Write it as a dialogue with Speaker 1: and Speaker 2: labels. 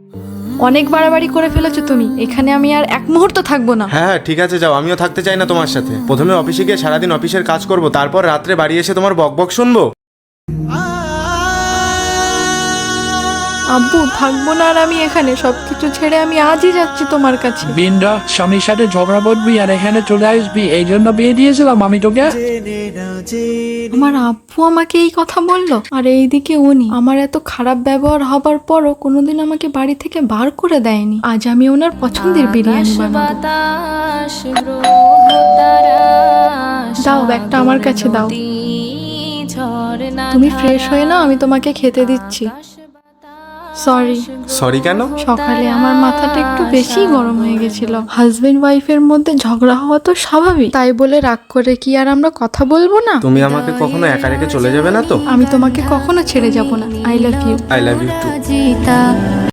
Speaker 1: অনেক বাড়াবাড়ি করে ফেলেছো তুমি, এখানে আমি আর এক মুহূর্ত থাকবো না।
Speaker 2: হ্যাঁ ঠিক আছে যাও, আমিও থাকতে চাই না তোমার সাথে। প্রথমে অফিসে গিয়ে সারাদিন অফিসের কাজ করব, তারপর রাত্রে বাড়ি এসে তোমার বকবক শুনবো।
Speaker 1: আব্বু থাকবো না আর আমি এখানে, সবকিছু ছেড়ে আমি আজই যাচ্ছি তোমার কাছে।
Speaker 3: বিন্দা, স্বামীর সাথে ঝগড়া করবি আর এখানে চলে আসবি, এই জন্য বিয়ে দিয়েছিলাম আমি তোকে।
Speaker 1: আমার আব্বু আমাকে এই কথা বললো, আর এইদিকে উনি আমার এত খারাপ ব্যবহার হবার পরও কোনোদিন আমাকে বাড়ি থেকে বার করে দেয়নি। আজ আমি ওনার পছন্দের বিরিয়ানি বানাবো। দাও ব্যাগটা আমার কাছে দাও। তুমি ফ্রেশ হয়ে নাও, আমি তোমাকে খেতে দিচ্ছি। সরি।
Speaker 2: সরি কেন?
Speaker 1: সকালে আমার মাথাটা একটু বেশি গরম হয়ে গেছিল। হাজবেন্ড ওয়াইফের মধ্যে ঝগড়া হওয়া তো স্বাভাবিক, তাই বলে রাগ করে কি আর আমরা কথা বলবো না?
Speaker 2: তুমি আমাকে কখনো একা রেখে চলে যাবে না তো?
Speaker 1: আমি তোমাকে কখনো ছেড়ে যাব না। I love you.
Speaker 2: I love you two.